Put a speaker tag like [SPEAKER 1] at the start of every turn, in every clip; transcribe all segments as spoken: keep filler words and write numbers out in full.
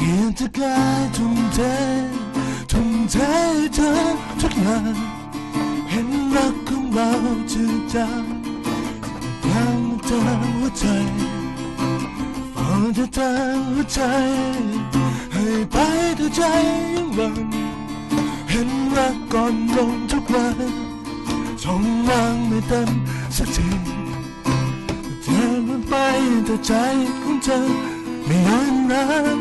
[SPEAKER 1] พียงจะกายทุ่มเททุ่มเทเธอทุกอย่างเห็นรักของเราจืดจางยังเธอหัวใจพอจะทางหัวใจให้ไปแต่ใจยังหวังเห็นรักก่อนลงทุกวันช่องว่างไม่เต็มสักทีเธอมันไปแต่ใจของเธอไม่ยอมรับ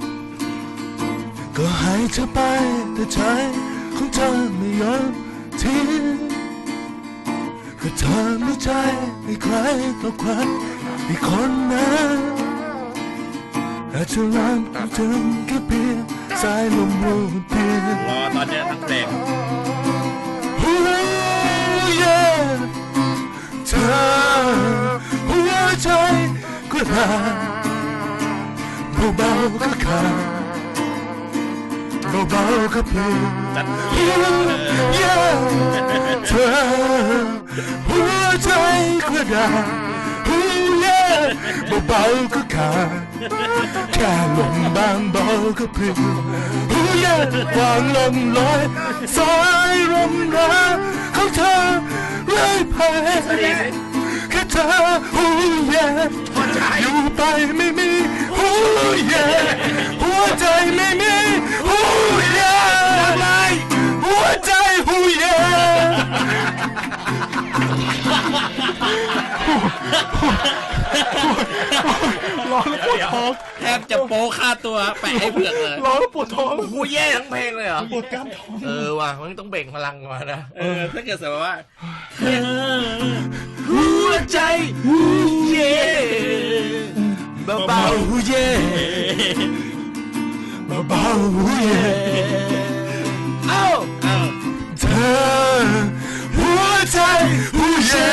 [SPEAKER 1] ก็ให้เธอไปแต่ใจของเธอไม่ยอมทิ้งก็เธอไม่ใจให้ใครต่อใครอีกคนนั้นอาจจะรักถึงแค่เพียงสายลมรูดเพียง
[SPEAKER 2] รอตอนนี้ทั้งเพลง
[SPEAKER 1] เธอหัวใจก็ราเบาๆก็ขาดเบาๆก็เพลงเธอหัวใจก็ราเบาๆก็ขาดแค่ลมบางเบาก็เพลงวางลมลอยสายลมรักของเธอเรื่อยไปแค่เธอหูแย่อยู่ไปไม่มีหูแย่หัวใจไม่มีหูแย่หัวใจหูแย่ร้อนแล้วปวดท้อง
[SPEAKER 2] แทบจะโป๊ค่าตัวแปะให้เผือกเลย
[SPEAKER 1] ร้อนแล้วปวดท้อง
[SPEAKER 2] กูแย่ทั้งเพลงเลยเหรอ
[SPEAKER 1] ปวดกล้ามท้อง
[SPEAKER 2] เออว่ะมันต้องเบ่งพลังมานะเออถ้าเกิดสมมติว่าหัวใจหูเย่เบาๆหูเย่
[SPEAKER 1] เบาๆหูเย่
[SPEAKER 2] เอ้าเอ้า
[SPEAKER 1] เธอหัวใจหูเย่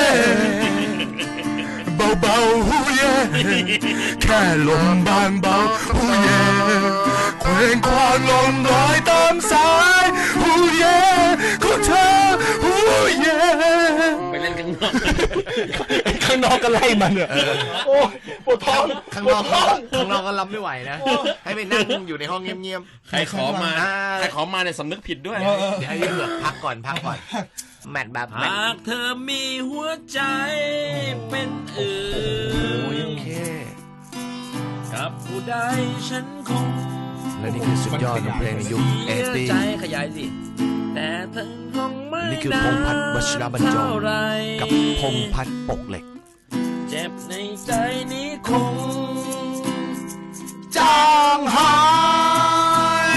[SPEAKER 1] เบาๆหูเย่แค่ลมบางเบาหูเย่เคว้งคว้างลมลอยตามสายหูเย่ของเธอหูเย่
[SPEAKER 2] ไปเล่นข้างนอก
[SPEAKER 1] ข้างนอกก็ไล่มันเนี่ยโอ้ปวดท้อง
[SPEAKER 2] ข้างนอกข้างนอกก็รับไม่ไหวนะให้ไปนั่งอยู่ในห้องเงียบๆใครขอมาใครขอมาเนี่ยสำนึกผิดด้วยเดี๋ยวให้เลือกพักก่อนพักก่อนแมทแบบหากเธอมีหัวใจเป็นอื่นกับผู้ใดฉันคง
[SPEAKER 1] และนี่คือสุดยอดของเพลงในยุคเอสตี้
[SPEAKER 2] ใจขยายสิแต่เธอคงไม่
[SPEAKER 1] นี่คือพงษ์พัฒน์วชิรบรรจงกับพงษ์พัฒน์ปกเหล็ก
[SPEAKER 2] เจ็บในใจนี้คง
[SPEAKER 1] จางหาย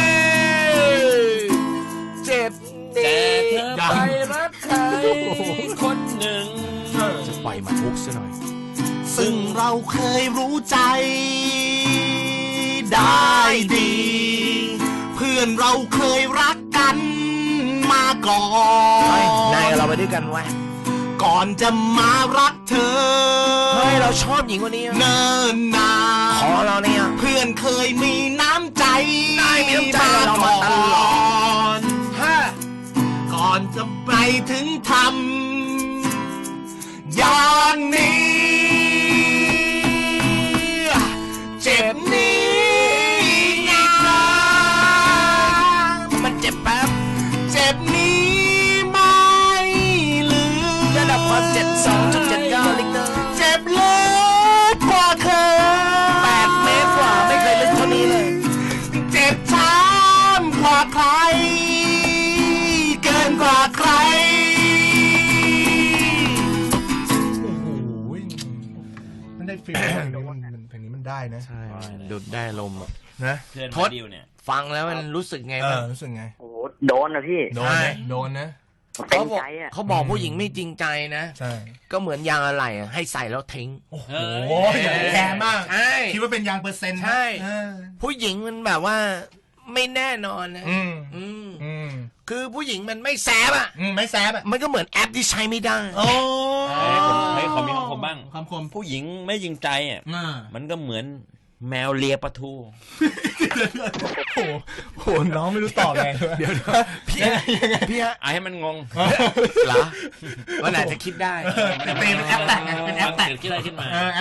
[SPEAKER 1] เจ็บ
[SPEAKER 2] แต่เธอไปรักใครคนหนึ่ง
[SPEAKER 1] จะปล่อยมาทุกซะหน่อย
[SPEAKER 3] ซึ่งเราเคยรู้ใจได้ดีเพื่อนเราเคยรักกันมาก่อน
[SPEAKER 2] นายกับเราไปด้วยกันวะ
[SPEAKER 3] ก่อนจะมารักเธอ
[SPEAKER 2] เฮ้ยเราชอบหญิงคนนี้
[SPEAKER 3] เนิ่นนาน
[SPEAKER 2] ขอเราเนี่ย
[SPEAKER 3] เพื่อนเคยมีน้ำใจ
[SPEAKER 2] ได้มีน้ำใจเรามาตลอด
[SPEAKER 3] ก่อนจะไปถึงทำอย่างนี้เจ็บนี้นะ
[SPEAKER 2] มันเจ็บแป๊บ
[SPEAKER 3] เจ็บนี้ไม่ลืม
[SPEAKER 2] ระดับความเจ็บสองจุดเจ็ดเก้าลิตร
[SPEAKER 3] เจ็บลึกกว่าเคย
[SPEAKER 2] แปดเมตรกว่าไม่เคยลึกเท่านี้เลย
[SPEAKER 3] เจ็บช้ำกว่าใครเกินกว่าใคร
[SPEAKER 1] โอ้โหมันได้ฟีลเพลงนี้มันเพลงนี้มันได้นะ
[SPEAKER 2] ใช่ดูดได้ลม
[SPEAKER 1] นะ
[SPEAKER 2] ทดฟังแล้วมันรู้สึกไงบ้าง
[SPEAKER 1] รู้สึกไง
[SPEAKER 4] โอ้โดนนะพี่
[SPEAKER 1] โดนนะโดนนะ
[SPEAKER 4] เขาบอก
[SPEAKER 2] เขาบอกผู้หญิงไม่จริงใจนะ
[SPEAKER 1] ใช่
[SPEAKER 2] ก็เหมือนยางอะไหล่ให้ใส่แล้วทิ้ง
[SPEAKER 1] โอ้โหแย่มาก
[SPEAKER 2] ใช่
[SPEAKER 1] คิดว่าเป็นยางเปอร์เซ็นต์
[SPEAKER 2] ใช่ผู้หญิงมันแบบว่าไม่แน่นอนนะ
[SPEAKER 1] อืม
[SPEAKER 2] อืมคือผู้หญิงมันไม่แซบอ่ะ
[SPEAKER 1] ไม่แซบอ่ะ
[SPEAKER 2] มันก็เหมือนแอปที่ใช้ไม่ได้
[SPEAKER 1] โอ้
[SPEAKER 5] ให้ขอมีคำคมบ้าง
[SPEAKER 1] คำคม
[SPEAKER 5] ผู้หญิงไม่จริงใจอ่ะมันก็เหมือนแมวเลียปลาทู
[SPEAKER 1] โอ้โหน้องไม่รู้ตอบไง
[SPEAKER 2] เดี๋ยวพี่พี่ฮะ
[SPEAKER 5] ไอ้ให้มันงง
[SPEAKER 2] เหรอวันไหนจะคิดได้
[SPEAKER 1] เป็นแอปแต่งเป็นแอปแต่ง
[SPEAKER 5] คิดอะไรขึ้นมา